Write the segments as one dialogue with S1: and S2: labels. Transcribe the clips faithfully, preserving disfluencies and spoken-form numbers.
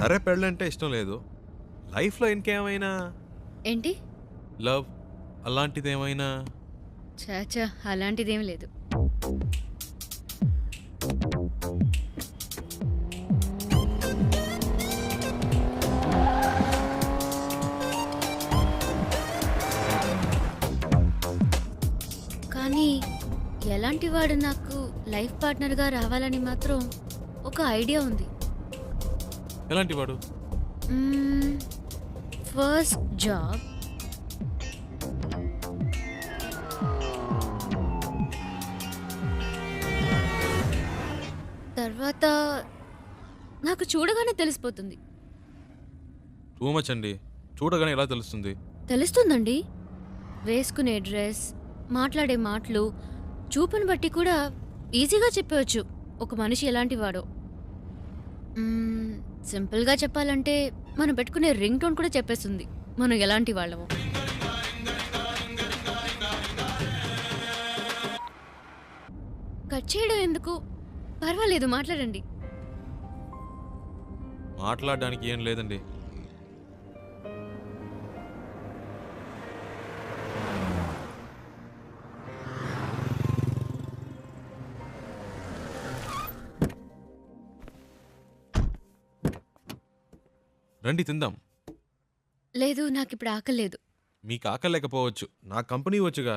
S1: సరే పెళ్ళంటే ఇష్టం లేదు. లైఫ్లో ఇంకేమైనా
S2: ఏంటి?
S1: లవ్ అలాంటిది ఏమైనా?
S2: చాచా అలాంటిదేం లేదు. కానీ ఎలాంటి వాడు నాకు లైఫ్ పార్ట్నర్గా రావాలని మాత్రం ఒక ఐడియా ఉంది.
S1: ఎలాంటి వాడు?
S2: ఫస్ట్ జాబ్, తర్వాత నాకు చూడగానే తెలిసిపోతుంది.
S1: టూ మచ్ అండి. చూడగానే ఎలా తెలుస్తుంది?
S2: తెలుస్తుందండి. వేసుకునే డ్రెస్, మాట్లాడే మాటలు, చూపును బట్టి కూడా ఈజీగా చెప్పవచ్చు ఒక మనిషి ఎలాంటి వాడో. మ్మ్, సింపుల్గా చెప్పాలంటే మనం పెట్టుకునే రింగ్ టోన్ కూడా చెప్పేస్తుంది మనం ఎలాంటి వాళ్ళమో. కట్ చేయడం ఎందుకు? పర్వాలేదు, మాట్లాడండి.
S1: మాట్లాడడానికి ఏం లేదండి. రండి తిందాం.
S2: లేదు, నాకు ఇప్పుడు ఆకలేదు.
S1: మీకు ఆకలేకపోవచ్చు, నా కంపెనీ వచ్చుగా.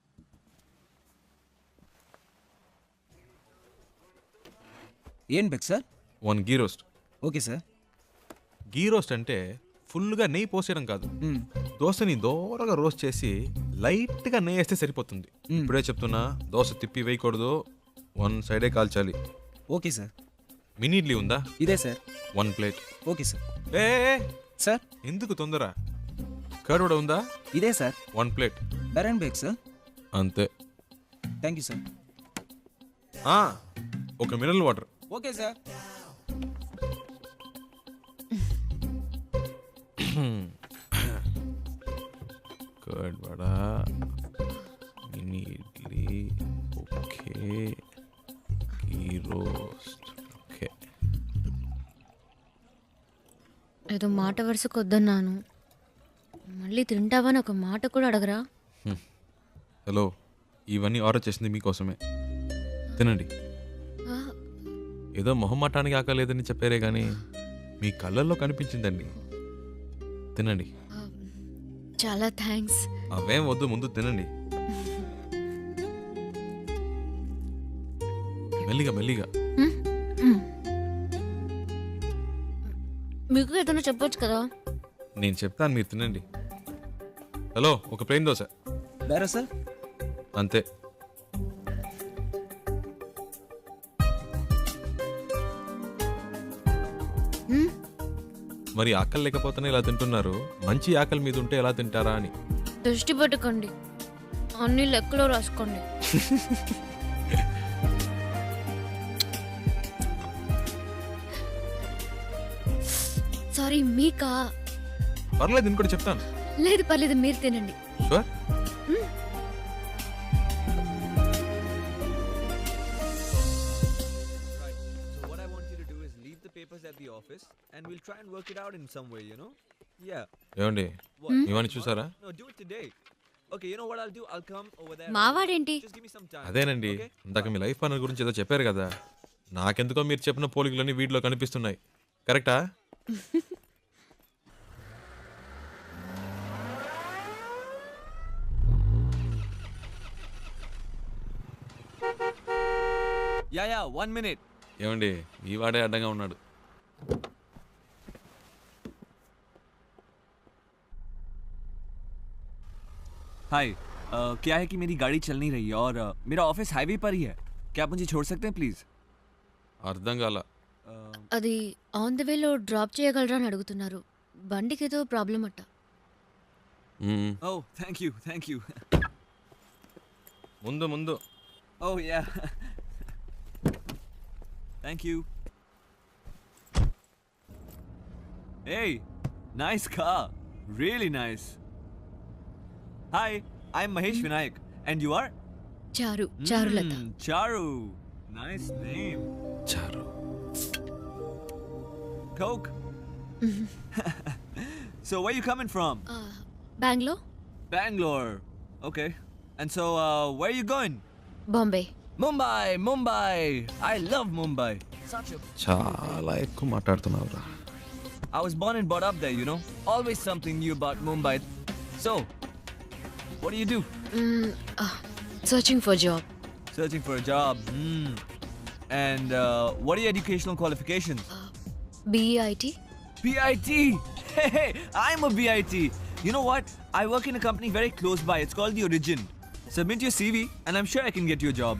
S3: ఏం బెక్ sir?
S1: One ghee roast.
S3: Okay sir.
S1: Ghee roast అంటే ఫుల్గా నెయ్యి పోసేయడం కాదు.
S3: మ్మ్.
S1: దోశని దోరగా రోస్ట్ చేసి లైట్గా నెయ్యి వేస్తే సరిపోతుంది.
S3: మ్మ్.
S1: ఇప్పుడే చెప్తున్నా, దోశ తిప్పి వేయకూడదు, వన్ సైడే కాల్చాలి.
S3: Okay sir.
S1: మినీ ఇడ్లీ ఉందా?
S3: ఇదే sir.
S1: One plate.
S3: Okay sir.
S1: ఏ ఏ, ఏ,
S3: సార్
S1: ఎందుకు తొందర? కర్డ్ కూడా ఉందా?
S3: ఇదే సార్.
S1: One plate.
S3: డర్ అండ్ బేక్ సార్.
S1: అంతే.
S3: Thank you sir.
S1: ఆ, ఒక mineral water.
S3: Okay sir.
S1: Curd vada, mini idli, okay, ghee roast, okay.
S2: ఏదో మాట వరుసకు వద్దన్నాను, మళ్ళీ తింటావని ఒక మాట కూడా అడగరా?
S1: హలో, ఇవన్నీ ఆర్డర్ చేసింది మీకోసమే. తినండి.
S2: ఆ,
S1: ఏదో మొహమాటానికి ఆకలేదని చెప్పారే కానీ మీ కళ్ళల్లో కనిపించిందండి. తినండి.
S2: ఆ, చాలా థ్యాంక్స్.
S1: అవేం వద్దు, ముందు తినండి. మెల్లిగా మెల్లిగా.
S2: మ్మ్, మ్మ్. మీకు ఏదైనా చెప్పొచ్చు కదా.
S1: నేను చెప్తాను, మీరు తినండి. హలో, ఒక ప్లేన్ దోశ.
S3: బేరా సార్.
S1: అంతే.
S2: మ్మ్,
S1: మరి ఆకలి లేకపోతేనే ఇలా తింటున్నారు, మంచి ఆకలి మీద ఉంటే ఎలా తింటారా అని.
S2: దృష్టి పెట్టుకోండి, అన్ని లెక్కలో రాసుకోండి. సారీ, మీకా?
S1: పర్లేదు, నేను కూడా చెప్తాను.
S2: లేదు పర్లేదు, మీరు తినండి.
S1: Sure.
S4: Right. So what I want you to do is leave the papers at the office and we'll try and work it out in some way, you know? Yeah.
S1: ఏమండి,
S4: What?
S1: ఇవన్నీ చూసారా?
S4: No, do it today. Okay, you know what I'll do? I'll come over there.
S2: మావాడేంటి?
S4: Just give me some time.
S1: అదేనండి,
S4: Okay?
S1: ఇందాక మీ life partner గురించి ఏదో చెప్పారు కదా, నాకెందుకో మీరు చెప్పిన పోలికలన్నీ వీటిలో కనిపిస్తున్నాయి. కరెక్టా?
S4: Yeah, yeah, one minute.
S1: ఏమండి, ఈ వాడే అడ్డంగా ఉన్నాడు.
S4: हाय, क्या है कि मेरी गाड़ी चल नहीं रही है और uh, मेरा ऑफिस हाईवे पर ही है. क्या आप मुझे छोड़ सकते हैं प्लीज?
S1: అర్థం కాల.
S2: అది ఆన్ ద వేలో డ్రాప్ చేయగలరా అని అడుగుతున్నారు. బండికి ఏదో ప్రాబ్లం అట్ట.
S1: మ్మ్.
S4: Oh, thank you, thank you.
S1: ముందు ముందు.
S4: Oh yeah. Thank you. Hey, nice car. Really nice. Hi, I'm Mahesh Vinayak. And you are?
S2: చారు, Charulata.
S4: Mm, Charu. Nice name.
S1: చారు.
S4: Coke. So where you coming from?
S2: Bengaluru,
S4: Bangalore. Okay. And so uh, where you going?
S2: Bombay.
S4: Mumbai, Mumbai. I love Mumbai. Such a
S1: చాలా ఎక్కువ మాట్లాడుతున్నావురా.
S4: I was born and brought up there, you know. Always something new about Mumbai. So, what do you do?
S2: Searching for job.
S4: Searching for a job. Hmm. And uh, what are your educational qualifications?
S2: BEIT.
S4: B I T. Hey, hey, I'm a B I T. You know what? I work in a company very close by. It's called The Origin. Submit your C V, and I'm sure I can get you a job.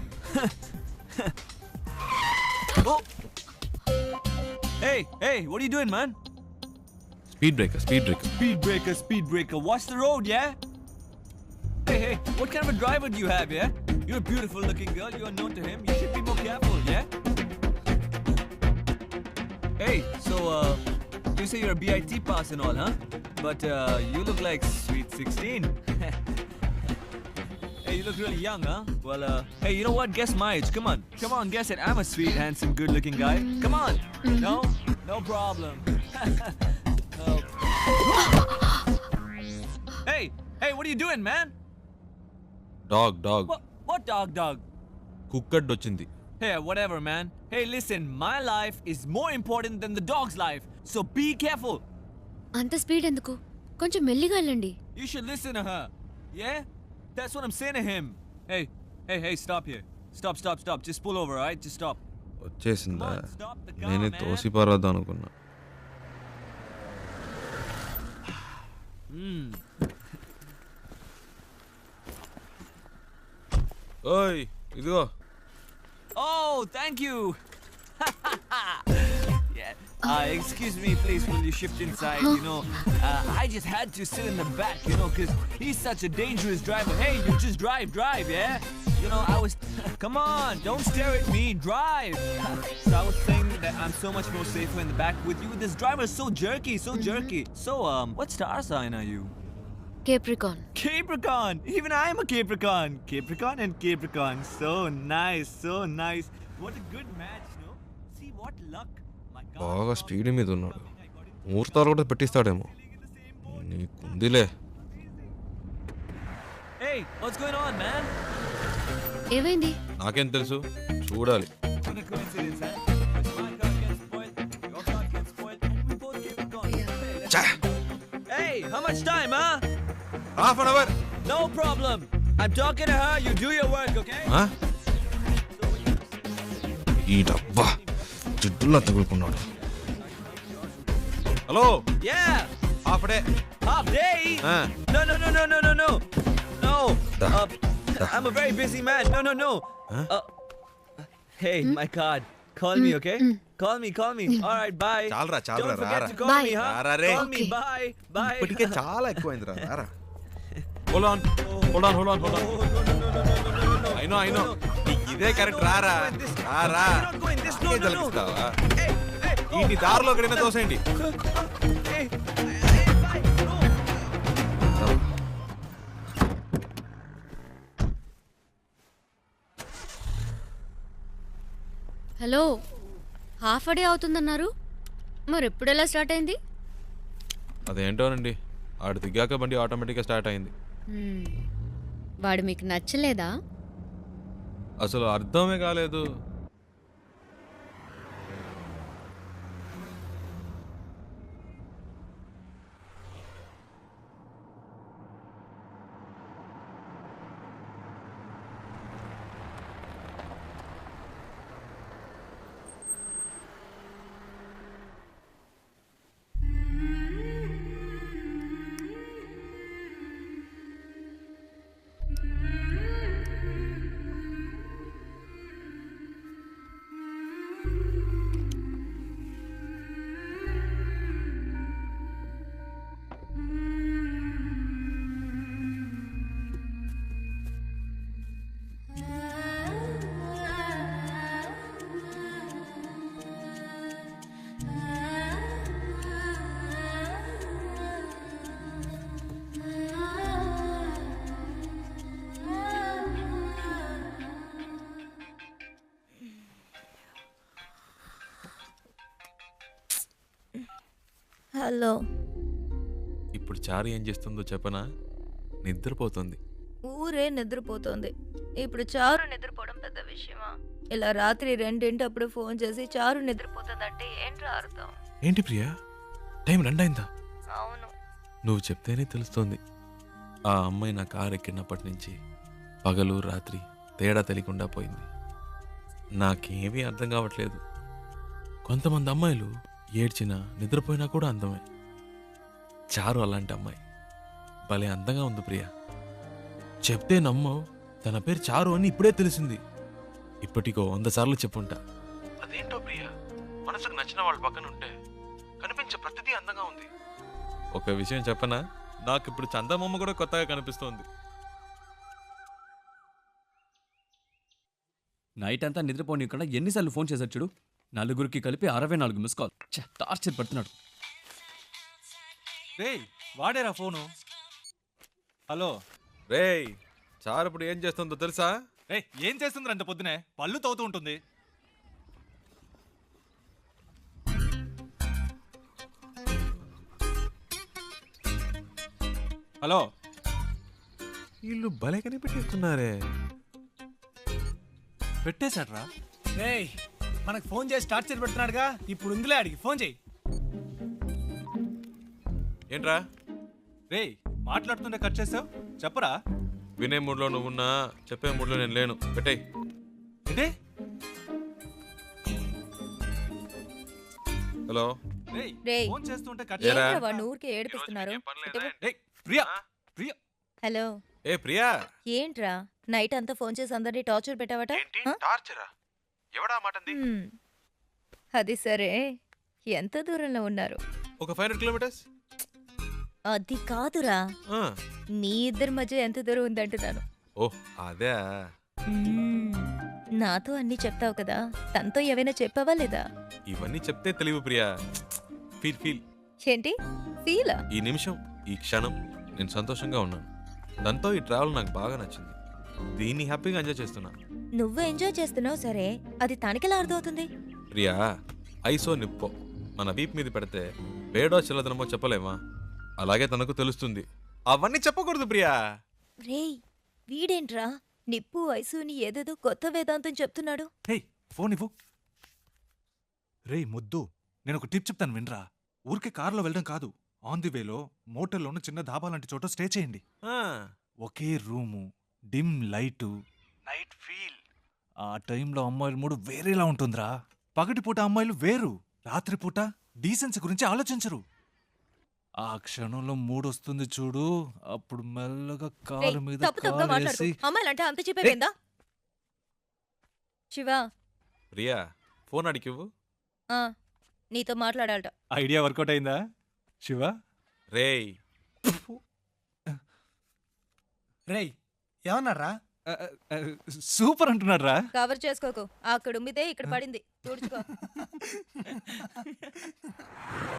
S4: Oh. Hey, hey, what are you doing, man?
S1: Speed breaker speed breaker.
S4: Speed breaker, speed breaker. Watch the road, yeah? Hey, hey, what kind of a driver do you have, yeah? You're a beautiful looking girl. You are known to him. You should be more careful, yeah? Hey, so, uh, you say you're a B I T pass and all, huh? But, uh, you look like sweet sixteen. Hey, you look really young, huh? Well, uh, hey, you know what? Guess my age. Come on. Come on, guess it. I'm a sweet, handsome, good looking guy. Come on. No? No problem. Oh. Hey, hey, what are you doing, man?
S1: Dog dog
S4: What, what dog, dog?
S1: కుక్కడ్ వచ్చింది.
S4: Hey, whatever, man. Hey, listen, my life is more important than the dog's life, so be careful.
S2: అంత speed ఎందుకు? కొంచెం మెల్లిగా వెళ్ళండి.
S4: You should listen to her. Yeah? That's what I'm saying to him. Hey, hey, hey, stop here. Stop, stop, stop. Just pull over, alright? Just stop.
S1: వచ్చేసిందా?
S4: Come on, stop the car,
S1: నేనే
S4: man.
S1: తోసి పారద్దాం అనుకున్నా.
S4: Hmm.
S1: ఓయ్ ఇదిగో.
S4: Oh, thank you. Yeah. Uh, excuse me, please, will you shift inside? You know, uh, I just had to sit in the back, you know, because he's such a dangerous driver. Hey, you just drive, drive, yeah? You know, I was... Come on, don't stare at me, drive. So I was saying that I'm so much more safer in the back with you. This driver is so jerky, so jerky. So, um, what star sign are you?
S2: Capricorn.
S4: Capricorn! Even I'm a Capricorn! Capricorn and Capricorn. So nice, so nice. What a good match, no? See what luck. My God.
S1: బాగా speed మీద ఉన్నాడు. ముహూర్తాలు కూడా పెట్టిస్తాడేమో. నీకుందిలే.
S4: Hey, what's going on, man?
S2: ఏమైంది?
S1: నాకేం తెలుసు, చూడాలి.
S4: What a coincidence, huh? Because my car gets spoiled, your car gets spoiled, and we both Capricorn. Hey, let's- Hey, how much time, huh?
S1: Half an hour.
S4: No problem. I'm talking to her. You do your work, okay?
S1: ఈ డబ్బా జిడ్డులా తగులుకున్నాడు. Hello.
S4: Yeah.
S1: Half day.
S4: Half day?
S1: Ah.
S4: No, no, no, no, no, no, no. No.
S1: Da.
S4: Uh, I'm a very busy man. No, no, no.
S1: Huh?
S4: Uh, hey, my card. Call me, okay? Call me, call me. All right, bye.
S1: చాలరా, చాలరా,
S4: Don't forget
S1: రారా.
S4: to call
S2: Bye.
S4: me, huh?
S1: రారా రే.
S4: Call me,
S2: Okay.
S4: bye, bye.
S1: ఇప్పటికే చాలా ఎక్కువైందిరా. రారా. Hold on. Hold on, hold on, hold on.
S4: Oh, no, no, no, no, no, no, no, no.
S1: I know, I know. నీకు ఇదే correct. రారా. రారా.
S4: You're not going this. No,
S1: నాకే
S4: no, no.
S1: తలపిస్తావా?
S4: Hey, hey.
S1: ఈ నీ దారిలో ఎక్కడైనా తోసేయండి.
S4: Hey, hey, bye. No.
S2: Hello, half day అవుతుందన్నారు, మరి ఎప్పుడు ఎలా స్టార్ట్ అయింది?
S1: అదేంటోనండి, ఆడు దిగాక బండి ఆటోమేటిక్గా స్టార్ట్ అయింది.
S2: హ్మ్. వాడు మీకు నచ్చలేదా?
S1: అసలు అర్థమే కాలేదు.
S5: హలో.
S1: ఇప్పుడు చారు ఏం చేస్తుందో చెప్పనా? నిద్రపోతుంది.
S5: ఊరే నిద్రపోతోంది. ఇప్పుడు చారు నిద్రపోవడం పెద్ద విషయమా? ఇలా రాత్రి రెండింటప్పుడు ఫోన్ చేసి చారు నిద్రపోతుందంటే ఏంట్రా అర్థం?
S1: ఏంటి ప్రియా, టైం రెండైందా?
S5: అవును.
S1: నువ్వు చెప్తేనే తెలుస్తోంది. ఆ అమ్మాయి నా కారు ఎక్కినప్పటి నుంచి పగలు రాత్రి తేడా తెలియకుండా పోయింది. నాకేమీ అర్థం కావట్లేదు. కొంతమంది అమ్మాయిలు ఏడ్చినా నిద్రపోయినా కూడా అందమే. చారు అలాంటి అమ్మాయి. భలే అందంగా ఉంది ప్రియా. చెప్తే నమ్మవు, తన పేరు చారు అని ఇప్పుడే తెలిసింది. ఇప్పటికో వంద సార్లు చెప్పుంటా. అదేంటో ప్రియా, మనసుకు నచ్చిన వాళ్ళ పక్కన ఉంటే కనిపించే ప్రతిదీ అందంగా ఉంది. ఒక విషయం చెప్పనా, నాకు ఇప్పుడు చందమామ కూడా కొత్తగా కనిపిస్తోంది.
S6: నైట్ అంతా నిద్రపోనీయకుండా ఎన్నిసార్లు ఫోన్ చేశాడు చూడు. నలుగురికి కలిపి అరవై నాలుగు మిస్ కాల్. ఛ, టార్చర్ పడుతున్నాడు.
S7: రేయ్ వాడేరా ఫోను. హలో.
S1: రేయ్, చారు ఇప్పుడు ఏం చేస్తుందో తెలుసా?
S7: రేయ్ ఏం చేస్తుంది అంత పొద్దునే? పళ్ళు తవ్వుతూ ఉంటుంది. హలో.
S1: వీళ్ళు భలే కనిపెట్టేస్తున్నారే.
S7: పెట్టేశాడ్రా.
S8: రేయ్ మనకు ఫోన్ చేసి టార్చర్ పెడుతున్నాడుగా, ఇప్పుడు ఉందిలే అడిగి ఫోన్ చేయి.
S1: ఏంట్రా
S7: రేయ్ మాట్లాడుతుంటే కట్ చేసావు, చెప్పరా.
S1: వినే మూడ్లో నువ్వున్నా, చెప్పే మూడ్లో నేను లేను. పెట్టేయ్.
S7: ఏంటి?
S1: హలో.
S7: రేయ్
S5: రేయ్.
S7: ఫోన్ చేస్తుంటే కట్
S1: ఏరా?
S5: ఏంట్రా వాడిని ఊరికే ఏడిపిస్తున్నారు?
S7: రేయ్ ప్రియా ప్రియా
S5: హలో.
S1: ఏ ప్రియా.
S5: ఏంట్రా నైట్ అంతా ఫోన్ చేసి అందరినీ టార్చర్ పెట్టావట? హ?
S1: టార్చరా? ఎవడా మాటంది?
S5: హ్మ్. అది సరే, ఎంత దూరంలో ఉన్నారు?
S1: ఒక ఫైవ్ హండ్రెడ్ కిలోమీటర్స్.
S5: అది కాదురా,
S1: ఆ,
S5: మీ ఇద్దరి మధ్య ఎంత దూరం ఉందంటున్నాను.
S1: ఓ అదే.
S5: మ్మ్. నాతో అన్నీ చెప్తావు కదా, తనతో ఏవైనా చెప్పావా లేదా?
S1: ఇవన్నీ చెప్తే తెలివి ప్రియా. Feel feel.
S5: ఏంటి ఫీలా?
S1: ఈ నిమిషం, ఈ క్షణం నేను సంతోషంగా ఉన్నాను. దాంతో ఈ ట్రావెల్ నాకు బాగా నచ్చింది. దీన్ని హ్యాపీగా ఎంజాయ్ చేస్తున్నా.
S5: నువ్వు ఎంజాయ్ చేస్తున్నావు సరే, అది తనకెలా అర్థమవుతుంది?
S1: ప్రియా, ఐసో నిప్పో మన వీప్ మీద పెడితే వేడో చిల్లదనమో చెప్పలేమా? అలాగే తనకు తెలుస్తుంది. అవన్నీ చెప్పకూడదు ప్రియా.
S5: రేయ్ వీడేంట్రా నిప్పు వయసుని ఏదేదో కొత్త వేదాంతం చెప్తున్నాడు.
S7: హేయ్ ఫోన్ ఇవ్వు. రేయ్ ముద్దు, నేను ఒక టిప్ చెప్తాను వినరా. ఊరికే కారులో వెళ్ళడం కాదు, ఆన్ ది వేలో మోటల్లోనూ చిన్న ధాబా లాంటి చోట స్టే చేయండి.
S1: ఆ,
S7: ఒకే room, dim light, night feel. ఆ టైంలో అమ్మాయిల మూడు వేరేలా ఉంటుందిరా. పగటిపూట అమ్మాయిలు వేరు, రాత్రిపూట డీసెన్సీ గురించి ఆలోచించరు. ఆ క్షణంలో మూడు వస్తుంది చూడు, అప్పుడు మెల్లగా
S5: రేయ్,
S7: కారు మీద
S5: తప్పు తప్పుగా మాట్లాడుకో.
S7: కాలేసి
S5: అమ్మాయిలంటే అంత చెప్పేపోయిందా? శివ,
S1: ప్రియా ఫోన్ అడిగివ్వు.
S5: ఆ, నీతో మాట్లాడాలట.
S7: ఐడియా వర్కౌట్ అయిందా శివ?
S1: రేయ్.
S8: రేయ్ ఏమన్నారా?
S7: సూపర్ అంటున్నాడు రా.
S5: కవర్ చేసుకోకు, అక్కడ ఉమ్మితే ఇక్కడ పడింది, తుడుచుకో.